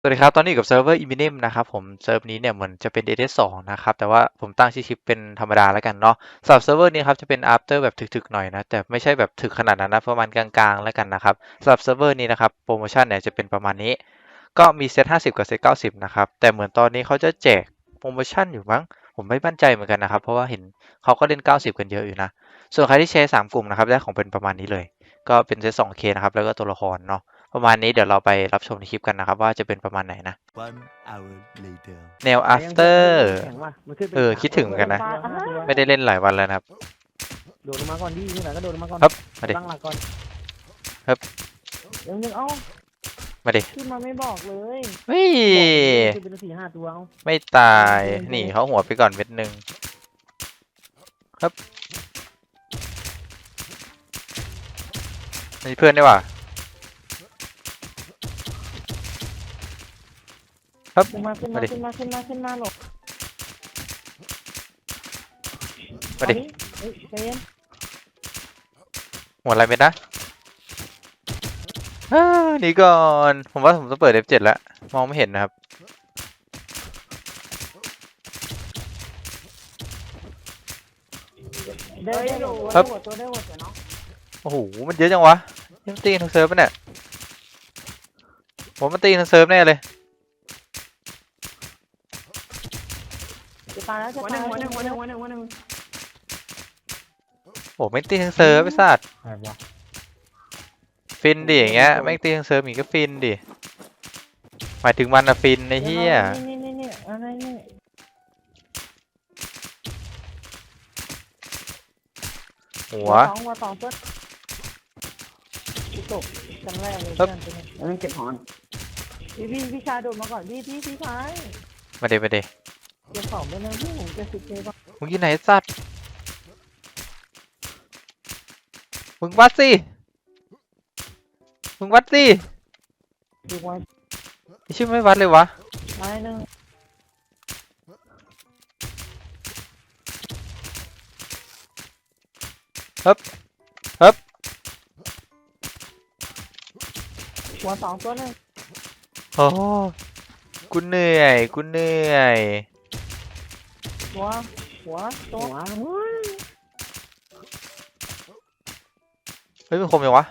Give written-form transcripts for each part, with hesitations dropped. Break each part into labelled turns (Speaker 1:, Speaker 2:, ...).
Speaker 1: สวัสดีครับตอนนี้อยู่กับเซิร์ฟเวอร์ Eminem นะครับผมเซิร์ฟนี้เนี่ยเหมือนจะเป็น DNS2 นะครับแต่ว่าผมตั้งชื่อคลิปเป็นธรรมดาแล้วกันเนาะสำหรับเซิร์ฟเวอร์นี้ครับจะเป็น after แบบถึกๆหน่อยนะแต่ไม่ใช่แบบถึกขนาดนั้นนะประมาณกลางๆแล้วกันนะครับสำหรับเซิร์ฟเวอร์นี้นะครับโปรโมชั่นเนี่ยจะเป็นประมาณนี้ก็มีเซต50กับเซต90นะครับแต่เหมือนตอนนี้เขาจะแจกโปรโมชั่นอยู่มั้งผมไม่มั่นใจเหมือนกันนะครับเพราะว่าเห็นเขาก็เล่น90กันเยอะอยู่นะส่วนใครที่แชร์3กลุ่มนะครับได้ของเป็นประมาณนี้เลยก็เป็นเซต 2K นะครับแล้วก็ตัวละครเนาะ ประมาณนี้เดี๋ยวเราไปรับชมในคลิปกันนะครับว่าจะเป็นประมาณไหนนะ
Speaker 2: One hour later
Speaker 1: แนว
Speaker 3: แต่ยังเพื่อน
Speaker 1: after
Speaker 3: มันขึ้นเป็นแข็งว่ะมันขึ้นเป็น
Speaker 1: คิดถึงเหมือนกันนะ
Speaker 3: ตัว
Speaker 1: ไม่ได้เล่นหลายวันแล้วนะครับ
Speaker 3: โดดลงมาก่อนดินี่ไหนก็โดดลงมาก่อน
Speaker 1: ครับมาดิ
Speaker 3: ตั้งหลักก่อน
Speaker 1: ครับ
Speaker 3: ยังเอ้า
Speaker 1: มาดิ
Speaker 3: ขึ้นมาไม่บอกเลย
Speaker 1: เฮ้ย
Speaker 3: ขึ้นเป็น4-5ตัวเอา
Speaker 1: ไม่ตายนี่เขาหัวไปก่อนเม็ดหนึ่งครับมีเพื่อนได้ว่ะครับ
Speaker 3: ขึ้นมาขึ้น
Speaker 1: มา
Speaker 3: มา
Speaker 1: ดิ
Speaker 3: ขึ้นมาขึ้นมาขึ้นมาหลบ
Speaker 1: มาดิ
Speaker 3: เฮ้ยใจเย็น
Speaker 1: หัวอะไรเม็ดนะหนีก่อนผมว่าผมต้องเปิด F7 แล้วมองไม่เห็นนะครับ
Speaker 3: ได้หลบ
Speaker 1: ครับ
Speaker 3: ตัวได้หมดเนาะ
Speaker 1: โอ้โหมันเยอะจังวะยังตีกันทั้งเซิร์ฟปะเนี่ยผมมันตีกันทั้งเซิร์ฟแน่เลย
Speaker 3: จะตายแล้วจะ
Speaker 4: หัวห
Speaker 3: ตา
Speaker 4: นึ่
Speaker 3: ย
Speaker 4: งหัวหนึ่งหัวหนึ่งหัวหนึ่งหัวหนึ่ง
Speaker 1: โอ้ไม่ตีทั้งเซิร์ฟไอ้สัตว์
Speaker 3: อะไรวะ
Speaker 1: ฟินดิอย่างเงี้ยแม่งตีทั้งเซิร์ฟอีกก็ฟินดิหมายถึงมันอะฟินไอ้เหี้ย
Speaker 3: นี่อะไรนี่
Speaker 1: หัว
Speaker 3: หัวสองเพื่อนตกจังแรกเลย
Speaker 1: ครับ
Speaker 3: เพื่อน
Speaker 4: แล้วมันเก็บหอน
Speaker 3: พี่ชายโดดมาก่อนพี่ชาย
Speaker 1: มาเดมาเด
Speaker 3: เก็บของไปเลยพี่ผมจะ10Kก่อน
Speaker 1: มึงอยู่ไหนไอ้สัตว์มึงวัดสิมึงวัดสิ
Speaker 3: ดูไว้
Speaker 1: ไอ้ชื่อไม่วัดเลยวะ
Speaker 3: ไม้หนึ่ง
Speaker 1: ครับครับ
Speaker 3: หัวสองตัวหนึ่ง
Speaker 1: โอ้กูเหนื่อยกูเหนื่อย
Speaker 3: หัวตัว
Speaker 1: เฮ้ยมันคมยังวะ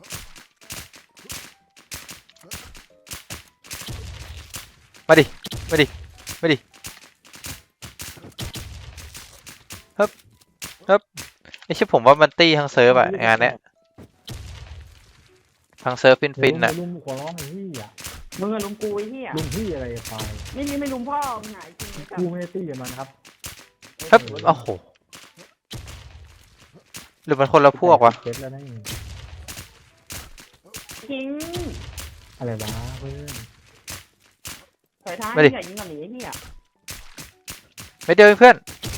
Speaker 1: มาดิมาดิมาดิครับครับไอ้ชื่อผมว่ามันตีทั้งเซิร์ฟอะงานเนี้ยทั้งเซิร์ฟฟินๆอะ
Speaker 5: ลุมขอร้องไอ้พี่อ่ะ
Speaker 4: มึงอะลุมกูไอ้เหี้ย
Speaker 5: ลุมพี่อะไรไป
Speaker 4: ไม่ลุมพ่อมึงไหนจริงไอ้สั
Speaker 5: กู
Speaker 4: ส
Speaker 5: ไม่ได้ตีกับมันครับ
Speaker 1: ครับโอ้โหหรือมันคนละพวกวะ
Speaker 5: เจ็ดแล้วนี่
Speaker 4: จริง
Speaker 5: อะไรวะเพื่อน
Speaker 4: ถอยท้าย
Speaker 1: มาดิ
Speaker 4: ใหญ่ยิงก่อนหนีไอ้เหี้ย
Speaker 1: ไม่เดียวเองเพื่อน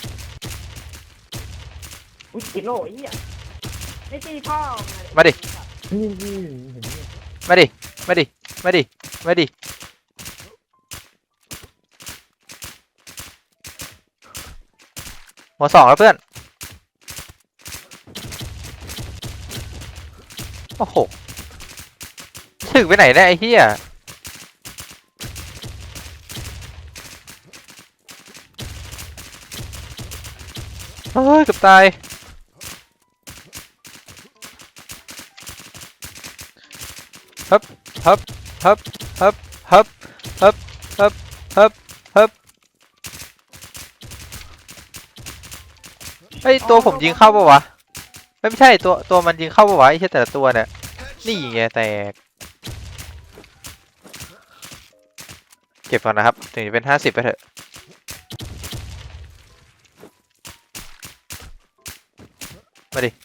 Speaker 4: อุ้ยติดโล่ไอ้เหี้ยไม่ตีพ่อมึงอะ
Speaker 1: มาดิ
Speaker 5: นี่พี่เห็นไหม
Speaker 1: มาดิมาดิมาดิมาดิหัวสองแล้วเพื่อนโอ้โหถึงไปไหนเนี่ยไอ้เหี้ยเฮ้ยเกือบตายฮึบฮึบฮึบฮึบฮึบฮึบฮึบฮึบฮึบเฮ้ยตัวผมยิงเข้าปะวะไม่ใช่ตัวมันยิงเข้าปะวะไอ้เหี้ยแต่ละตัวเนี่ยนี่ไงแตกเก็บก่อนนะครับถึงจะเป็น50ไปเถอะมาดิ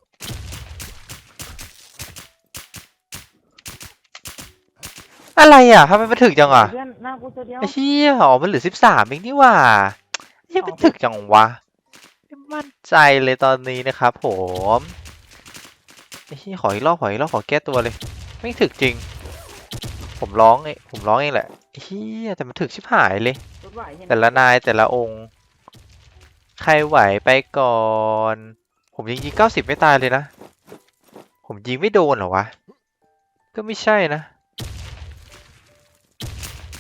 Speaker 1: อะไรอ่ะทำไมมันถึกจังอ่ะ
Speaker 3: เพื่อนหน้ากูตัวเดียว
Speaker 1: ไอ้เหี้ยอ๋อมันเหลือ13เองนี่หว่าไอ้เหี้ยมันถึกจังวะไม่มั่นใจเลยตอนนี้นะครับผมไอ้เหี้ยขออีกรอบขอแก้ตัวเลยไม่ถึกจริงผมร้องเองแหละไอ้เหี้ยแต่มันถึกชิบหายเลย
Speaker 4: รถไหวใช่ไหม
Speaker 1: แต่ละนายแต่ละองค์ใครไหวไปก่อน ผมยิง90ไม่ตายเลยนะผมยิงไม่โดนเหรอวะก็ไม่ใช่นะ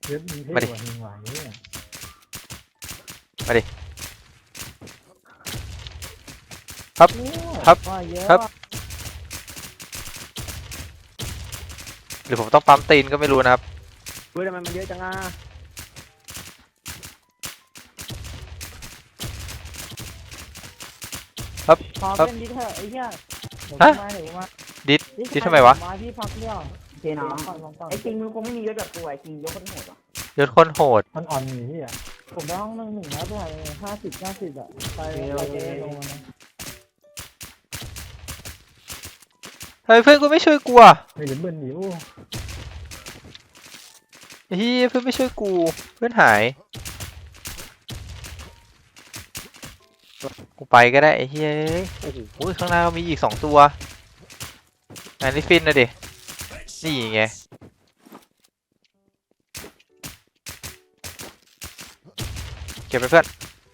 Speaker 5: เยอะมีเท่
Speaker 1: มาดิ
Speaker 5: กว่าหิงหวานเนี่ย
Speaker 1: มาดิ ครับ ครับ
Speaker 3: ว่าเยอะ
Speaker 1: ครับ หรือผมต้องปั๊มตีนก็ไม่รู้นะครับ
Speaker 4: เฮ้ยทำไมมันเยอะจังอ่ะ
Speaker 3: พอเป็นดิเถอะไอ้เหี้ยผม
Speaker 1: ฮะ
Speaker 3: มาเดี๋ยวมา
Speaker 1: ดิดทำไมวะ
Speaker 3: มาพี่พักเดียว
Speaker 4: เจน้อง
Speaker 3: ก่อนลงก่อน
Speaker 4: ไอ้จริงมึงคงไม่มียศแบบกูไอ้จริงยศคนโหดว่ะ
Speaker 1: ยศคนโหด
Speaker 5: มันอ่อนอยู่ที่อ่ะ
Speaker 3: ผมได้ห้อง1-1แล้วด้วย50-90อ่ะไปเจ๊ลงมานะ
Speaker 1: เฮ้ยเพื่อนกูไม่ช่วยกูอ่ะ
Speaker 5: ไม่เดี๋ยวเบิ้ลดิโอ้
Speaker 1: เฮ้ยเพื่อนไม่ช่วยกู เพื่อนหาย กูไปก็ได้ไอ้เฮ้ยโอ้โหข้างหน้ามีอีก2 ตัวอันนี้ฟินนะดิ นี่ไง เก็บไปเพื่อน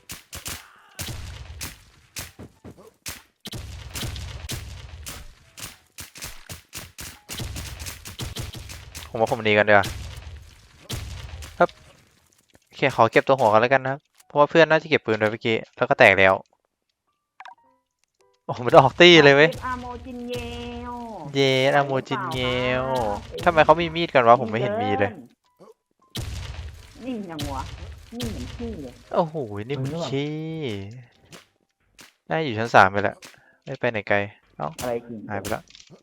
Speaker 1: ผมว่าผมหนีกันเดี๋ยวาครับโอเคขอเก็บตัวหัวกันแล้วกันนะครับ เพราะว่าเพื่อนน่าจะเก็บปืนไปเมื่อกี้ แล้วก็แตกแล้ว โอ้โหมันออกตี้เลยเว้ย
Speaker 4: อาโมจินเยล
Speaker 1: เยนอาโมจินเยลทำไมเขามีมีดกันวะ ผมไม่เห็นมีเลย
Speaker 4: นิ่งยังวะนิ่งเหมือนขี้เลย
Speaker 1: โอ้โห นี่มันขี้น่าอยู่ชั้น3ไปแล้ว ไม่ไปไหนไกล เอ้า
Speaker 4: อะไรจริง
Speaker 1: หายไปแล้ว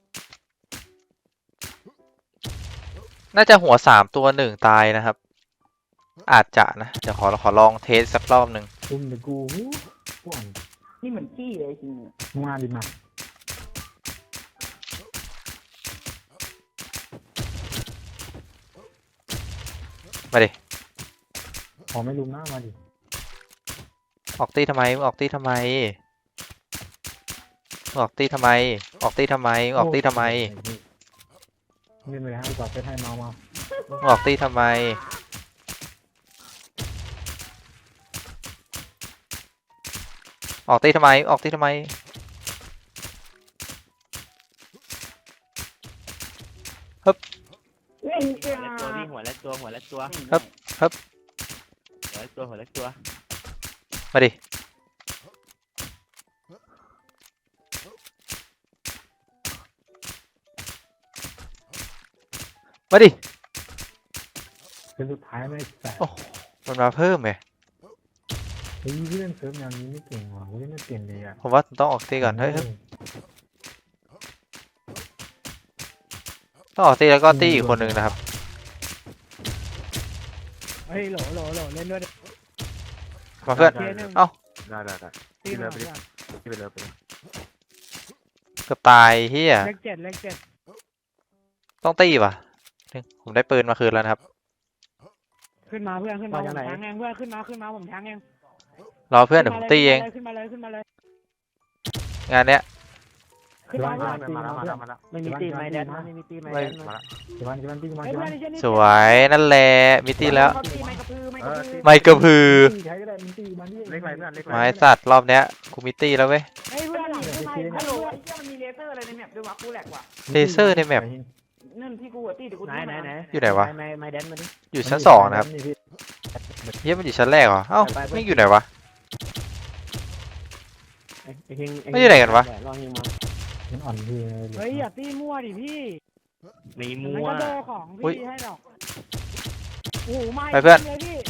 Speaker 1: น่าจะหัว3 ตัว1ตายนะครับ อาจจะนะ เดี๋ยวขอลองเทสสักรอบหนึ่ง
Speaker 5: ตุ้มเดี๋ยวกูกูอ่อน
Speaker 4: นี่เหมือนขี้เลยจริง
Speaker 5: มึงมาดิมา
Speaker 1: มาดิ
Speaker 5: ขอไม่ลุมหน้ามาดิ
Speaker 1: ออกตีทำไมมึงออกตีทำไมมึงออกตีทำไม ออกตีทำไมมึงออกตีทำไม
Speaker 5: เล่นไปให้กอดไปให้เมามา
Speaker 1: มึงออกตีทำไม ออกตีทำไม ออกตีทำไม
Speaker 4: เล่นจ้า
Speaker 6: ตัวพี่หัวและตัวหัวและตัว
Speaker 1: ครับ
Speaker 6: หัวและตัวหัวและตัว
Speaker 1: มาดิ มาดิ
Speaker 5: เป็นสุดท้ายไม่แตก
Speaker 1: โอ้ มันมาเพิ่มไง
Speaker 5: เฮ้ยพี่เล่นเซิร์ฟแนวนี้ไม่เก่งว่ะกูเล่นไม่เก่งเลยอ่ะ
Speaker 1: ผมว่าต้องออกตีก่อน เฮ้ยเฮ้ยต้องออกตีแล้วก็ตีอีกคนหนึ่งนะครับ
Speaker 3: เฮ้ยโหลเล่นด้วย
Speaker 1: มาเพื่อน เอ้า
Speaker 2: ได้ได้ได้
Speaker 3: ตีมาเพื่อน
Speaker 2: ที่ไปเลยไปเลย
Speaker 1: เกือบตายเฮีย
Speaker 3: เลขเจ็ด
Speaker 1: ต้องตีป่ะผมได้ปืนมาคืนแล้วนะครับ
Speaker 3: ขึ้นมาเพื่อนขึ้นมาผมแทงเองเพื่อนขึ้นมาผมแทงเอง
Speaker 1: รอเพื่อนเดี๋ยวผมตีเอง
Speaker 3: ขึ้นมาเลย
Speaker 1: งานเนี้ย
Speaker 3: ขึ้นมา
Speaker 2: มาแล้วมาแล้วมาแล้ว
Speaker 4: ไม่มีตีไม้แดนไม่มีตีไม้แดน
Speaker 2: มาแล้ว
Speaker 5: เดี๋ยววันตีมา
Speaker 3: เฮ้ย
Speaker 5: เดี๋ยว
Speaker 3: เพื่อ
Speaker 5: วัน น
Speaker 3: ไอ้เช่นนี้
Speaker 1: สวยนั่นแหละมิตีแล้ว
Speaker 4: เขาตีไม้กระพือไม้กระพือ
Speaker 1: ไม่กระพือ
Speaker 5: ใช้ก็ได้มึงตีมาดิ
Speaker 2: เล็กไรเพื่อนเล็กไร
Speaker 1: ไม้สัตว์รอบเนี้ยกูมิตีแล้วเว้ย
Speaker 3: เฮ้ยเพื่อนหลังขึ้นมา
Speaker 4: ฮัลโหลไอ้เหี้ยมันมีเลเซอร์อะไรในแมปด้วยวะกูแหลกว่ะ
Speaker 1: เลเซอร์ในแมป
Speaker 4: นั่นที่กูตีเดี๋ยวกู
Speaker 6: ไหนไหนไหน
Speaker 1: อยู่ไหนวะ
Speaker 6: ไม้แดนมาดิ
Speaker 1: อยู่ชั้น2นะครับเฮียมันอยู่ชั้นแรกเหรอ เอ้าไม่อยู่ไหนวะ
Speaker 6: ไอ้เฮง
Speaker 1: ไม่อยู่ไหนกันวะ
Speaker 6: ลองยิงมา
Speaker 5: มันอ่อนพี่
Speaker 3: เฮ้ยอย่าตีมั่วดิพี่
Speaker 6: มี
Speaker 3: มัน
Speaker 6: มัว
Speaker 3: ก็โดของพี่ให้ดอกโอ้โหไม่
Speaker 1: ไปเพื่อน
Speaker 3: เลยพี่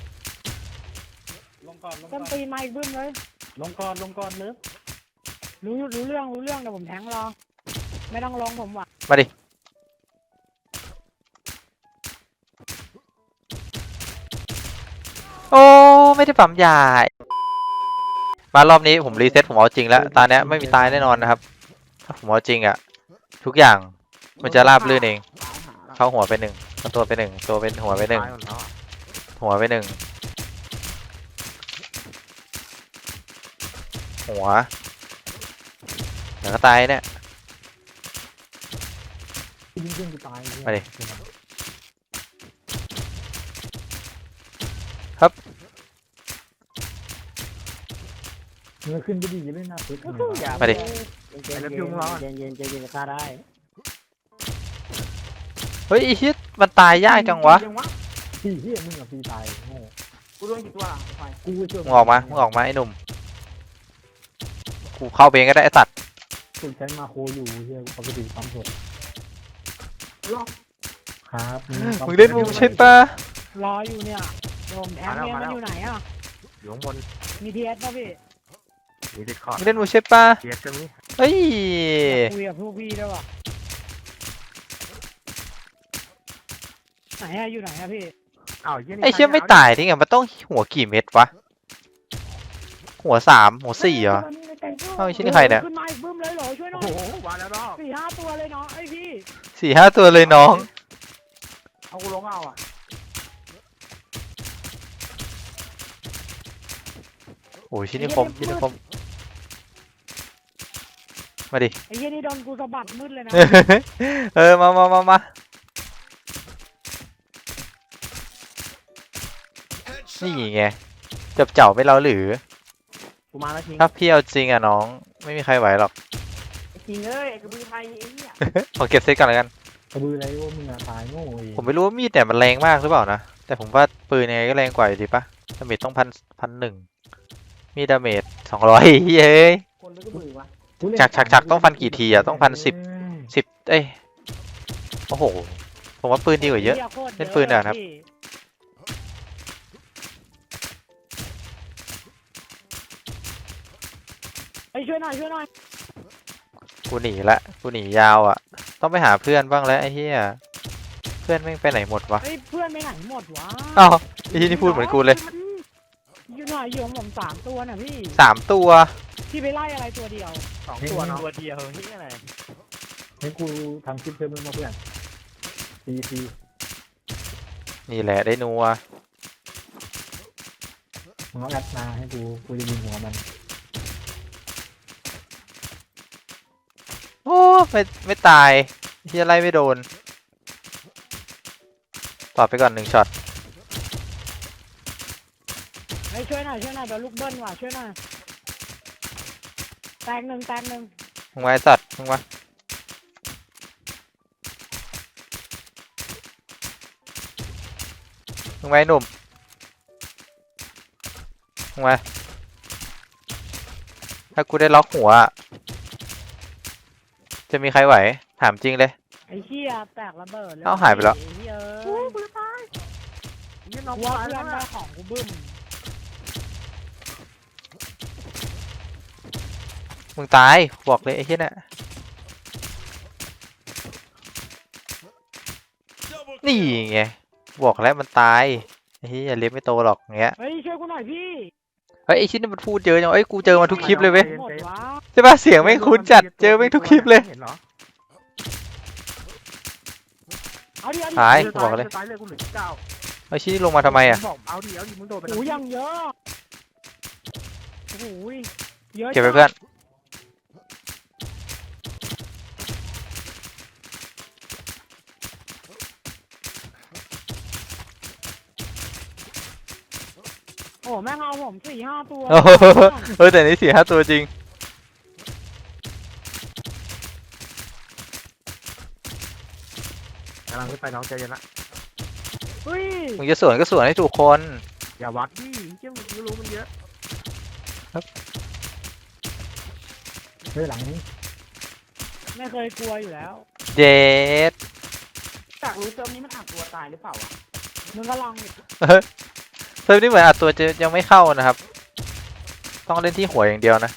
Speaker 6: ลงก่อนลง
Speaker 3: ต้นตีนมาอีกบึ้มเลย
Speaker 6: ก่อนเนื้อ
Speaker 3: รู้เรื่องเดี๋ยวผมแทงรอไม่ต้องลงผมว่ะ
Speaker 1: มาดิ โอ้ ไม่ได้ปั๊มยา มารอบนี้ผมรีเซ็ตผมเอาจริงแล้ว ตาเนี้ยไม่มีตายแน่นอนนะครับ ถ้าผมเอาจริงอะทุกอย่างมันจะราบรื่นเอง เข้าหัวไป1เข้าตัวไป1ตัวเป็นหัวไป1หัวไป1หัวเดี๋ยวก็ตายเนี่ย
Speaker 5: ยิงขึ้นกูตาย
Speaker 1: มาดิ
Speaker 5: เนื้อขึ้นก็ดีเล่นหน้าตึก
Speaker 1: มาดิ
Speaker 6: เย็นฆ่าได้
Speaker 1: เฮ้ยไอ้เหี้ยมันตายยากจังวะ
Speaker 5: พี่เฮียมึงกับพี่ตายโง่
Speaker 4: กูโดนกี่ตัวล่ะไฟ
Speaker 5: กูไปช่วย
Speaker 1: มึงออกมาไอ้หนุ่มกูเข้าไปเองก็ได้ไอ้สัตว์
Speaker 5: กูใช้มาโคอยู่เฮียกูปกติความสด
Speaker 4: ล็อก
Speaker 5: ครับ
Speaker 1: มึงเล่นมุมใช่ปะ
Speaker 3: รออยู่เนี่ยเดี๋ยวผมแทงเนี่ยมันอยู่ไหนอ่ะ
Speaker 2: อยู่ข้างบน
Speaker 3: มีทีเอสป่ะพี่
Speaker 2: มีดิสคอร์ด
Speaker 1: มึงเล่นมุมใช่ปะ
Speaker 2: เทียก็มี
Speaker 1: เฮ้ย
Speaker 3: คุยกับพวกพี่ด้วยว่ะไหนอะอยู่ไหนอะพี่
Speaker 2: อ้าวเหี้ยนี่
Speaker 1: ไอ้เชี่ยไม่ตายได้ไงมันต้องหัวกี่เม็ดวะหัว3หัว4เหรอเอ้าไอ้เชี่ยนี่ใครเนี่ย
Speaker 3: ขึ้นมาอีกบึ้มเลยเหรอช่วยหน่
Speaker 2: โอ้
Speaker 3: อย
Speaker 2: โหมาแล้วเนาะ
Speaker 3: 4-5 ตัวเลยเนาะไอพี่
Speaker 1: 4-5 ตัวเลยน้อง
Speaker 4: เอากูลงเอาอ่ะ
Speaker 1: โอ้ยชิ้นนี้คมมาดิ
Speaker 3: ไอ้เหี้ยนี่โดนกูสะบัดมืดเลยนะ
Speaker 1: มานี่ไงจับเจ้าไม่เราหรือ
Speaker 6: กูมาแล้วทิ้ง
Speaker 1: ถ้าพี่เอาจริงอ่ะน้องไม่มีใครไหวหรอก
Speaker 4: ไอ้จริงเอ้ยไอ้กระบือไทยไอ้เนี่ย
Speaker 1: ขอเก็บเซตก่อนแล้วกัน
Speaker 5: กระบืออะไรว่ามึงอะตายโง่เอง
Speaker 1: ผมไม่รู้ว่ามีดเนี่ยมันแรงมากหรือเปล่านะแต่ผมว่าปืนยังไงก็แรงกว่าอยู่ดีปะดาเมจต้อง1,001มีดาเมจ200เฮ้ย
Speaker 4: คนหรือกระบือวะ
Speaker 1: ฉักต้องฟันกี่ทีอะต้องฟัน10เอ้ยโอ้โหผมว่าปืนดีกว่าเยอะ เล่นปืนอะครับ
Speaker 3: ไอ้ช่วยหน่อย
Speaker 1: กูหนียาวอ่ะต้องไปหาเพื่อนบ้างแล้วไอ้เหี้ยเพื่อนแม่งไปไหนหมดวะ
Speaker 3: ไอ้เพื่อนไปไหนหมดวะ
Speaker 1: อ้าวไอ้ที่นี่พูดเหมือนกูเลย
Speaker 3: อยู่หน่อยอยู่ของผม3 ตัวน่ะพี่
Speaker 1: 3 ตัว
Speaker 3: พี่ไปไล่อะไรตัวเดียว
Speaker 2: 2 ตัวเนาะ
Speaker 6: ตัวเดียวนี่อะไร
Speaker 5: ให้กูทำคลิปเพิ่มมึงมาเพื่อนซี
Speaker 1: นี่แหละได้นัว
Speaker 5: มึงเอาแอดมาให้กูจะยิงหัวมัน
Speaker 1: โอ้ไม่ตายที่ไล่ไม่โดนตอบไปก่อน1ช็อต
Speaker 3: ไอ้ช่วยหน่อยเดี๋ยวลูกเบิ้ลว่ะช่วยหน่อยแตกหนึ่ง
Speaker 1: มึงไว้สัตว์มึงวะมึงไว้หนุ่มมึงไว้ถ้ากูได้ล็อกหัวอะจะมีใครไหวถามจริงเลย
Speaker 3: ไอ้เหี้ยแตกระเบิดเลย
Speaker 1: เอ้าหายไปแล้ว
Speaker 3: ไอ้เหี้ย
Speaker 4: โอ้กูจะตายยี่น้อง
Speaker 3: ว่า
Speaker 4: ตาย
Speaker 3: เพื่
Speaker 4: แล้
Speaker 3: อ
Speaker 4: วน
Speaker 3: ได้
Speaker 4: นะ
Speaker 3: ของกูบึ้ม
Speaker 1: มึงตายบอกเลยไอ้เหี้ยน่ะนี่ไงบอกแล้วมันตายไอ้เหี้ยเลี้ยงไม่โตหรอกอย่างเงี้ย
Speaker 3: เฮ้ยช่วยกูหน่อยพี่
Speaker 1: เฮ้ยไอ้ชิ้นนี่มันพูดเยอะจังเอ้ยกูเจอมาทุกคลิปเลยเว้ย
Speaker 3: หมดวะ
Speaker 1: ใช่ป่ะเสียงแม่งคุ้นจัดเจอแม่งทุกคลิปเลย
Speaker 2: เห็นเหรอ
Speaker 3: เอาดิ
Speaker 1: ตาย
Speaker 2: จะ
Speaker 1: บอกเลย
Speaker 2: ตายเลยกูเหลือ9
Speaker 1: ไอ้ชิ้นนี่ลงมาทำไมอ่ะ
Speaker 2: บอกเอาดิมึงโดนไป
Speaker 3: โอ้ยยังเยอะโอ้โหเยอะ
Speaker 1: เก็บไปเพื่อน
Speaker 3: โอ้แม่งเอาผม4-5 ตัว
Speaker 1: โอ้โหแต่นี่4-5 ตัวจริง
Speaker 2: กำลังขึ้นไปน้องใจเย็นละ
Speaker 3: เฮ้ย
Speaker 1: มึงจะสวนก็สวนให้ถูกคน
Speaker 2: อย่าวัดดิเจ้ามึงรู้มันเยอะ
Speaker 5: เฮ้ยหลังนี้
Speaker 3: ไม่เคยกลัวอยู่แล้ว
Speaker 1: เย็ด
Speaker 4: จากรู้เติมนี้มันอัดตัวตายหรือเปล่าวะ
Speaker 3: มึงก็ลองดิ
Speaker 1: เซิร์ฟนี่เหมือนอัดตัวจะยังไม่เข้านะครับ ต้องเล่นที่หัวอย่างเดียวนะ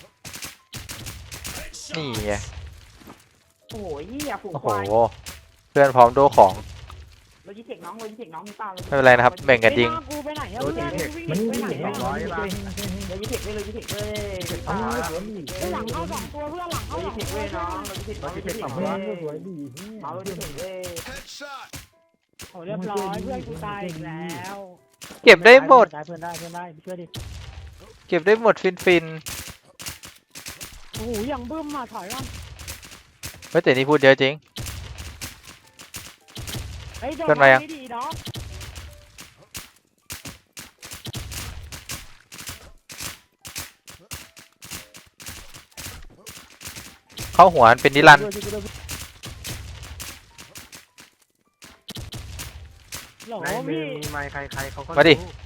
Speaker 1: นี่ไง
Speaker 4: โอ้โหยี่อะฝูง
Speaker 1: โอ้
Speaker 4: ค
Speaker 1: โห
Speaker 4: วาย
Speaker 1: เพื่อนพร้อมโดของ
Speaker 4: โลจิเทคน้องมีเปล่า
Speaker 1: ไม่เป็นไรนะครับแบ่งกันยิง
Speaker 3: ไอ้หน้ากูไปไหนอะเพื่อนวิ่ง
Speaker 5: มัน
Speaker 3: ไปไหน
Speaker 5: สอ
Speaker 3: อะ
Speaker 5: งร้อยบาท
Speaker 4: โลจิเทคเลย
Speaker 3: ไอ้หลังเข้า2 ตัวเพื่อนหลัง
Speaker 4: โล
Speaker 3: เข้า
Speaker 4: จิ
Speaker 3: 2
Speaker 4: เทค
Speaker 3: ตัว
Speaker 4: เว้ย
Speaker 3: ช่วย
Speaker 4: น้อ
Speaker 3: ห
Speaker 4: ง
Speaker 3: น่อย
Speaker 4: โลจิเทค
Speaker 5: สอง
Speaker 4: เว้
Speaker 5: ร้อย
Speaker 4: ย
Speaker 5: สวยดี
Speaker 4: เมาโลจิเทคเว้ย
Speaker 3: โอ้เรียบร้อยเพื่อนกูตายอีกแล้ว
Speaker 1: เก็บได้หมด
Speaker 6: เพื่อนได้ช่วยดิ
Speaker 1: เก็บได้หมดฟิน
Speaker 3: โอ้โหอย่างบึ้มมาถอยก่อน
Speaker 1: เฮ้ยแต่นี่พูดเยอะจริง
Speaker 3: ไอ้ยโดน
Speaker 1: เพื่อนมายัง
Speaker 3: ไม่ดีดอก
Speaker 1: เข้าหัวมันเป็นนิรันดร์
Speaker 3: โหล
Speaker 2: ในมือ
Speaker 3: พี่
Speaker 2: มีไม้ใครเขาก็
Speaker 1: มาดิ
Speaker 2: รู้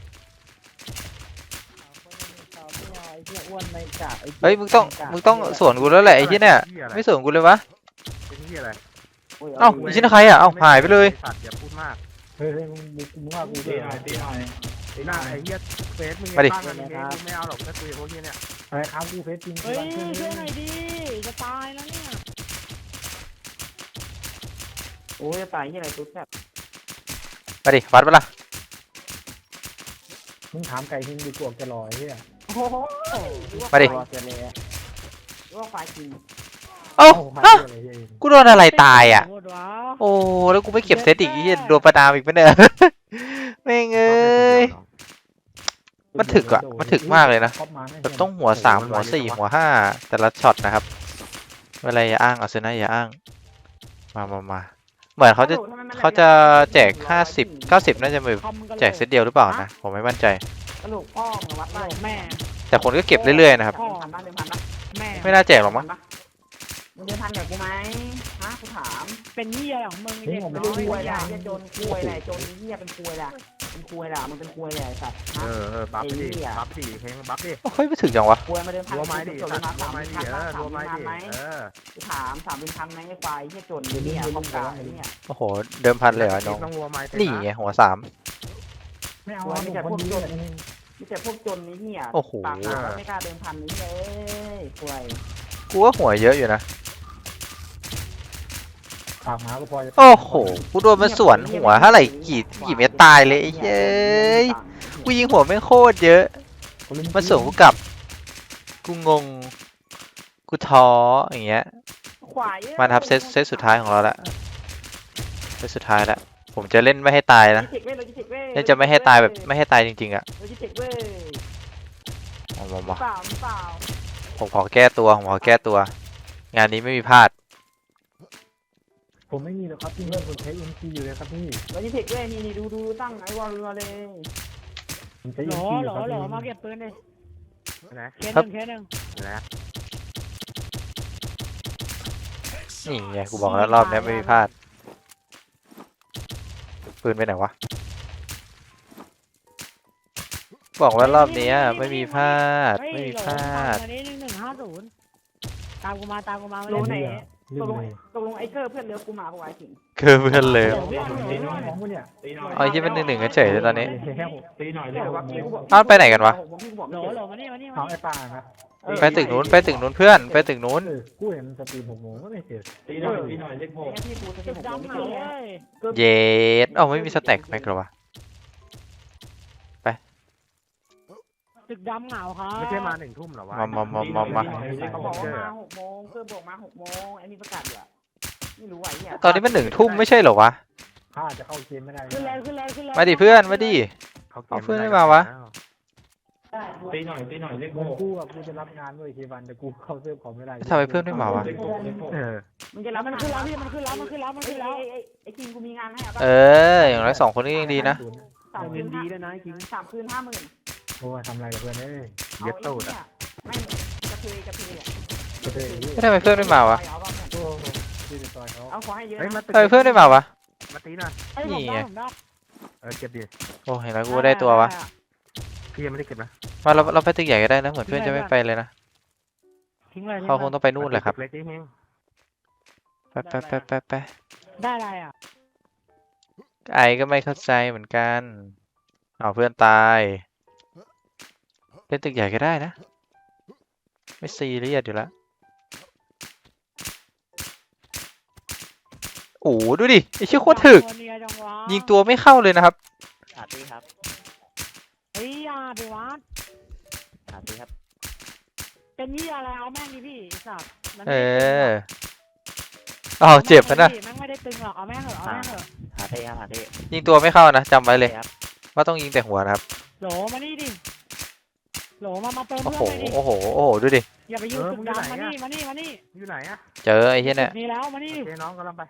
Speaker 1: เฮ้ยมึงต้องสวนกูแล้วแหละไอ้ที่เนี่ยไม่สวนกูเลยวะ
Speaker 2: เป็นที่อะไร
Speaker 1: เอ้าไอ้ที่ใครอ่ะเอ้าหายไปเลย
Speaker 2: สัตว์อย่าพูดมาก
Speaker 5: เฮ้ยมึงว่ากูตีหน่อย
Speaker 2: ไอ้หน้าไอ้เหี้ยเฟซมึง
Speaker 1: มาดิ
Speaker 2: ตั้งกันเองกูไม่เอาหรอกถ้าคุยกับพวกเหี้ยเนี่ย
Speaker 5: อะไรครับกูเฟซจริง
Speaker 3: เฮ้ย
Speaker 5: ช่วย
Speaker 3: ช่วยหน่อยดิจะตายแล้วเนี่ย
Speaker 4: โอ้ยจะตายยี่อะไรตุ๊ดแบบ
Speaker 1: มาดิวัดปะล่ะ
Speaker 5: มึงถามไก่ทิ้งดีกว่าจะรอไอ้เหี้ย
Speaker 4: โอ้โห
Speaker 1: มาดิ
Speaker 5: เจเลย
Speaker 4: ว่าควายกิน
Speaker 1: เอ้า
Speaker 5: พา
Speaker 1: ฮะ
Speaker 5: อะไรเหี้ย
Speaker 1: กูโดนอะไรตายอ่ะ
Speaker 3: โคตรว้า
Speaker 1: โอ้แล้วกูไม่เก็บเซตอีกไอ้เหี้ยโดนประนามอีกปะเนี่ย แม่งเอ้ย มันถึกอะมันถึกมากเลยนะ
Speaker 5: ครอบมาไม่
Speaker 1: แบบต้องหัว3หัว4หัว5แต่ละช็อตนะครับเวลาอย่าอ้างเอาเซนะอย่าอ้างมาเหมือนเขาจะแจก50 90น่าจะแบบ
Speaker 3: คอมกัน
Speaker 1: แจกเซตเดียวหรือเปล่านะผมไม่มั่นใจ
Speaker 4: กระโหลกพ่อมึงวัด
Speaker 3: โหล
Speaker 4: ได้
Speaker 3: แม่
Speaker 1: แต่คนก็เก็บเรื่อยๆนะครับ
Speaker 4: เดิมพันปะเดิมพันปะ
Speaker 3: แม่
Speaker 1: ไม่น่าแจกหรอกมั้ง
Speaker 4: มึงเดิมพันกับกูไหมฮะกูถาม
Speaker 3: เป็นเหี้ยของมึงไอ้เด็ก
Speaker 4: ไม่
Speaker 3: น้
Speaker 4: รู้
Speaker 3: อย
Speaker 4: คุย
Speaker 3: อ
Speaker 4: แหละ
Speaker 3: ย่าง
Speaker 4: เหี้ยจนคุยแหละจนเหี้ยเป็นคุยแหละเป็นคุยแหละมึงเป็นคุยแหละไอ้สัตว์ฮะ
Speaker 2: บัฟดิ
Speaker 4: ไอ้เหี้ย
Speaker 2: บัฟดิเฮงบัฟดิ
Speaker 1: เฮ้ยไม่ถึงจังวะ
Speaker 4: คุยมาเดิมพัน
Speaker 2: รัวไม้ดิ
Speaker 4: จน
Speaker 2: สั
Speaker 4: มา
Speaker 2: ตว์รัว
Speaker 4: สาม
Speaker 2: ไม้
Speaker 4: พั
Speaker 2: ดิ
Speaker 4: น
Speaker 2: รัวไม้
Speaker 4: พัน
Speaker 2: ดิ
Speaker 4: ไหมกูถาม3,000ไหมไอ้ควายเหี้ยจนเหี้ยคอมกาไอ้เนี่ย
Speaker 1: โอ้โหเดิมพันเลยเหรอน้อง
Speaker 2: ต้องรัวไม้
Speaker 1: นี่ไงหัว3
Speaker 5: ไม่เอา
Speaker 4: ไม่แต่
Speaker 5: ค
Speaker 4: พวน ก
Speaker 5: ดี
Speaker 4: จน
Speaker 5: เลย
Speaker 4: มีแต่พวกจนนี่เหี้ย
Speaker 1: โอ้โห
Speaker 4: ปากหาไม่กล้าเดิมพันนี่เอ้ยคุย
Speaker 1: กูว่าหัวเยอะอยู่นะ
Speaker 5: ปากหมาก็พอจะ
Speaker 1: โอ้โหกูโดนมันสวนหัวเท่าไหร่กี่เม็ดตายเลยไอ้เย้ยกูยิงหัวไม่งโคตรเยอะมันสวนกูกลับกูงงกูท้ออย่างเงี้ย
Speaker 4: ควายเอ้ย
Speaker 1: มาครับเซตสุดท้ายของเราละเซตสุดท้ายละผมจะเล่นไม่ให้ตายนะ
Speaker 4: โลจิสติกเว้ยโลจิสติกเว้ย
Speaker 1: เล่นจะไม่ให้ตายแบบไม่ให้ตายจริงๆอ่ะ
Speaker 4: โลจิสติกเว้ย
Speaker 1: มา
Speaker 4: เปล่าเปล่า
Speaker 1: ผมขอแก้ตัวผมขอแก้ตัว งานนี้ไม่มีพลาด
Speaker 5: ผมไม่มีหรอกครับพี่เพื่อนผมใช้ MC อยู่เลยครับพี่
Speaker 4: โลจิสติกเว้ยนี่ดูตั้งไอ้วอลมาเลย
Speaker 5: ผมใช้
Speaker 3: โหล
Speaker 5: MC อ
Speaker 3: โหล
Speaker 5: ยู่ครับ
Speaker 3: โหล
Speaker 5: พี่
Speaker 3: มาเก็บปืนดิ
Speaker 2: นะ
Speaker 3: เคสหนึ่งเคสหนึ่ง
Speaker 2: นะ
Speaker 1: นี่ไงกูบอกแล้วรอบนี้ไม่มีพลาดปืนไปไหนวะบอกว่ารอบนี้ไม่มีพลาด
Speaker 3: เฮ้ย
Speaker 1: ไม่มี
Speaker 3: โหล
Speaker 1: พลาด
Speaker 3: วันนี้1150ตามกูมาตามกูมา
Speaker 4: โล
Speaker 3: มา
Speaker 4: ไหน
Speaker 3: เล่น
Speaker 5: ลื
Speaker 4: ต
Speaker 5: ม
Speaker 4: กลง
Speaker 5: เลย
Speaker 4: ตกลงไอ้เกอร์เพื่อนเลิฟกูมาเพราะไอ้สิง
Speaker 1: คือเพื่อนเลย
Speaker 5: ตีน้องของกูเนี่ย
Speaker 1: เอาไอ้ที่เป็น1-1กันเฉยเลยตอนนี้
Speaker 5: ตีหน่อยเล
Speaker 4: เดี๋
Speaker 5: ย
Speaker 4: ยวว่าพี่กูบอก
Speaker 1: อ้าวไปไหนกันวะ
Speaker 4: ผมพี่กูบอก
Speaker 3: โหล
Speaker 4: ไม่
Speaker 3: โหล
Speaker 4: เจอ
Speaker 3: มานี่มานี่มา
Speaker 5: เอา
Speaker 3: นี่
Speaker 5: ไอ้ป่าครับ
Speaker 1: ไปตึกนู้นไปตึกนู้นเพื่อนไปตึกนู้น
Speaker 5: กูเห็นมันสตรีม6 โมงก็ไม่เสร็จ
Speaker 4: ตีหน่อยเลขหกไอ้พี่กูจะ
Speaker 3: จุ
Speaker 4: เป็น
Speaker 3: ด
Speaker 4: ผมไม่
Speaker 3: ดำ
Speaker 4: เจ
Speaker 3: เหา
Speaker 4: อ
Speaker 3: เว้ย
Speaker 1: เย็ดเอ้าไม่มีสแต็กแม็กเหรอวะ
Speaker 3: ตึกดำเหงาครับ
Speaker 2: ไม่ใช่มา1 ทุ่มหรอวะ
Speaker 1: มา
Speaker 4: เขาบอกว่ามา6 โมงเกอร์บอกมา6 โมงไอ้นี่ประกาศอยู่อะไม่รู้ไอ้เนี่ย
Speaker 1: ตอนนี้มัน1 ทุ่มไม่ใช่เหรอวะ
Speaker 5: ข้าจะเข้าเกมไม่ได้
Speaker 3: ขึ้นเลยขึ้นเลยขึ้นเลย
Speaker 1: มาดิเพื่อนมาดิ เอาเพื่อนไม่มาวะ
Speaker 6: ตีหน่อยเลขหก
Speaker 5: กูอ่ะกูจะรับงานด้วยเควันแต่กูเข้าเซิร์ฟของไม่ได้
Speaker 1: ทำไมเพื่อนไม่มาวะ
Speaker 2: เออ
Speaker 4: มึงจะรับ
Speaker 3: มันขึ้นแล้วพี่มันขึ้นแล้วมันขึ้นแล้วมันขึ้นแล้ว
Speaker 4: ไอ้คิงกูมีงานให้อ่ะ
Speaker 1: เอออย่างน้อย2 คนนี้ยังดีนะ
Speaker 4: 3 คืนดีด้วยนะไอ้คิง3 คืน 50,000
Speaker 5: โอ้ยทำอะไรกับเพื่อนเอ้ย
Speaker 2: เย็ดตูดอ่ะ
Speaker 4: ไม่กระเทยอ่ะ
Speaker 5: กระเทย
Speaker 1: ไม่ทำไมเพื่อนไม่มาวะ
Speaker 5: โอ้โหที่จะซอยเขา
Speaker 4: เอาขอให้เยอะ
Speaker 2: เฮ้ย
Speaker 4: นะ
Speaker 2: มาตึก
Speaker 1: ทำไมเพื่อนไม่มาวะ
Speaker 2: มาตีหน่อย
Speaker 3: ไอ้ยผม
Speaker 1: นี่ไง
Speaker 3: ได้ผมได้
Speaker 2: เก็บดิ
Speaker 1: โอ้เห็นแล้วกูได้ตัววะ
Speaker 2: พี่ยังไม่ได้เก็บนะ
Speaker 1: มาเราไปตึกใหญ่ก็ได้นะเหมือนเพื่อนจะไม่ไปเลยนะ
Speaker 3: ทิ้งเลยทิ้ง
Speaker 1: เขาค
Speaker 3: เล
Speaker 1: ง
Speaker 3: ย
Speaker 1: ต้องไปนู่นแหละครับ
Speaker 2: เล็กนิดนึง
Speaker 1: ไป
Speaker 3: ได้อะไรอ่ะ
Speaker 1: ไอก็ไม่เข้าใจเหมือนกันเอาเพื่อนตายเล่นตึกใหญ่ก็ได้นะไม่ซีเรียสอยู่แล้วโอ้โหดูดิไอเชี่ยโคตรถึก
Speaker 3: ตัวเนียจังวะ
Speaker 1: ยิงตัวไม่เข้าเลยนะครับ
Speaker 6: ขาดตีครับ
Speaker 3: เฮ้ยอย่าไปวัด
Speaker 6: ขาดตีครับ
Speaker 3: เป็นยี่อะไรเอาแม่งดิพี่ไอ้สัตว์มัน
Speaker 1: เอ
Speaker 3: ไม่ได้ตึงหรอก
Speaker 1: อเจ็บนะ
Speaker 3: แม่งไม่ได้ตึงหรอกเอาแม่งเถอะเอาแม่งเถอะ
Speaker 6: ขาดตีครับขาดตี
Speaker 1: ยิงตัวไม่เข้านะจำไว้เลย
Speaker 6: ครับ
Speaker 1: ว่าต้องยิงแต่หัวนะครับ
Speaker 3: โหลมานี่ดิโหลมาเติม
Speaker 1: โอ้
Speaker 3: เพื่
Speaker 1: โห
Speaker 3: อนเลยดิ
Speaker 1: โอ้โหโอ้โหดูดิ
Speaker 3: อย่าไปยืนตึกดำมานี่มานี่มานี่
Speaker 2: อยู่ไหนอ่ะ
Speaker 1: เจอไอ้เหี้ยเนี่ย
Speaker 3: นี่แล้วมานี่
Speaker 2: โอเคน้องกำลังไป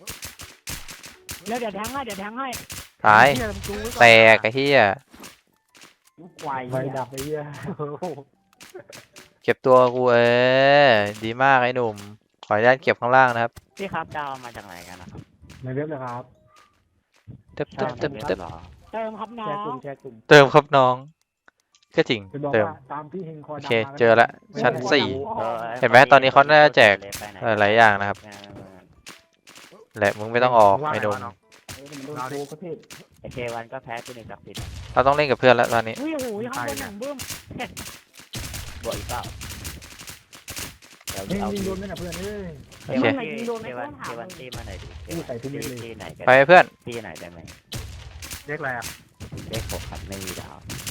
Speaker 3: แล้วเดี๋ยวแทงให้เดี๋ยวแทงให้
Speaker 1: ตาย
Speaker 2: เหี้มึงดูไว้อน
Speaker 1: แตกไอ้เหี้ย
Speaker 4: ลูกควาย
Speaker 5: ไฟดับไปเยอะ
Speaker 1: เก็บตัวกูดีมากไอ้หนุ่มขออนุญาตเก็บข้างล่างนะครับ
Speaker 6: พี่ครับดาวมาจากไหนกันนะครับ
Speaker 5: ในเว็บเลยครับ
Speaker 1: เติมเติมเติมเติม
Speaker 6: หรอ
Speaker 3: เติมครับน้อ
Speaker 4: แชร์กลุ่
Speaker 3: ง
Speaker 4: มแชร์กลุ่ม
Speaker 1: เติมครับน้อง ก็จริง
Speaker 5: จะบอก
Speaker 1: เติม
Speaker 5: ว่าตามที่เฮงคอ
Speaker 1: โอ
Speaker 5: ดำ
Speaker 1: เค
Speaker 5: มา
Speaker 1: เจอละชั้น
Speaker 5: ไม่
Speaker 1: สี่
Speaker 6: ออ
Speaker 1: เห็นไหมตอนนี้เขาน่าจะแจก หลายๆอย่างนะครับ แหละมึงไม่ต้องออกไอ้หนุ่ม
Speaker 4: มันโดนโกกระเทศ
Speaker 6: ไอเควันก็แพ้ที่หนึ่งกับสิบ
Speaker 1: เราต้องเล่นกับเพื่อนแล้วตอนนี้
Speaker 3: อุ้ยโอ้โหข้างบนหนังบึ้ม
Speaker 6: บวกอีกเปล่าเดี๋ยว
Speaker 5: เฮง
Speaker 6: เอา
Speaker 5: ยิง
Speaker 6: ที่
Speaker 5: โดนไหมนะเพื่อนเอ้ย
Speaker 1: โอเค
Speaker 6: เควันตีมาหน่อยดิ
Speaker 5: นี่ใส่ทุกเม็ดเลย
Speaker 6: ตีไหนกัน
Speaker 1: ไปเพื่อน
Speaker 6: ตีไหนได้ไหม
Speaker 2: เรียกอะไรอ่ะ
Speaker 6: เลข6ครับไม่มีดาว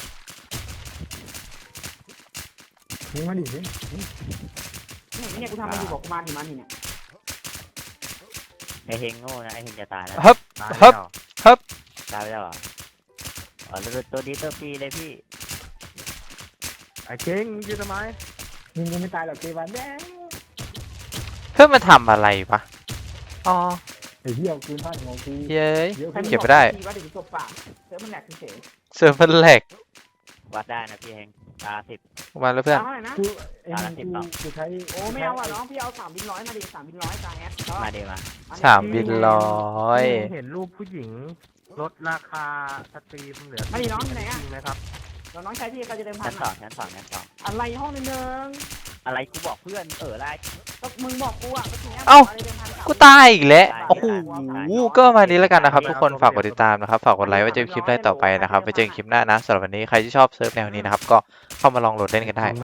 Speaker 5: ยิงมาดิเฮ้ย
Speaker 4: เนี่ยกูทำมาอยู่บอกกูมาดิมันนี่เนี่ย
Speaker 6: ไอเฮงโง่นะไอเฮงจะตายแล้ว
Speaker 1: ฮึบ
Speaker 2: ตาย
Speaker 1: ฮึบ
Speaker 2: แล้ว
Speaker 6: ตายไปแล้วเหรออ๋อตัวนี้ตัวฟรีเลยพี่
Speaker 2: ไอ้เก่งยืนทำไม
Speaker 5: ยิงกูไม่ตายหรอกเกวันแดง
Speaker 1: เพื่อนมันทำอะไรปะอ๋อ
Speaker 5: ไอ้เหี้ยปืนพลาดหัวกู
Speaker 1: เย้ย
Speaker 5: เดี๋ยว
Speaker 1: เก็บไม่ได้
Speaker 4: ว่าเดี๋ยวจบปากเดี๋ยวมันแหลกเฉย
Speaker 1: เซิร์ฟมันแหลก
Speaker 6: วัดได้นะพี่เฮงตา10
Speaker 1: มาแล้วเพื่อน
Speaker 4: เท่าไหร่นะ
Speaker 5: กูไอ้เฮงกูใช้
Speaker 4: โอ้ไม่เอาอ่ะน้องพี่เอา3 บินร้อยมาดิ3 บินร้อยตาแอด
Speaker 6: มาดีมา
Speaker 1: 3 บินร้อย
Speaker 2: เห็นรูปผู้หญิงลดราคาสตรีมเหลือ
Speaker 4: มาดิน้องอยู่ไหนอ่ะ
Speaker 2: จริงไหมครับ
Speaker 4: น้องใช้ที่เขาจะเดิมพั
Speaker 6: ชั้
Speaker 4: น
Speaker 6: น2ชั้น2
Speaker 4: อะไรห้องนึง
Speaker 6: อะไรกูบอกเพื่อนอะไร
Speaker 4: ก็มึงบอกกูอ่ะก็ทีนี้
Speaker 1: กูตายอีกแล้วโอ้โหก็ประมาณนี้แล้วกันนะครับ ทุกคนฝากกดติดตามนะครับ ฝากกดไลค์ไว้เจอคลิปได้ต่อไปนะครับ ไปเจอกันคลิปหน้านะสำหรับวันนี้ใครที่ชอบเซิร์ฟแนวนี้นะครับ ก็เข้ามาลองโหลดเล่นกันได้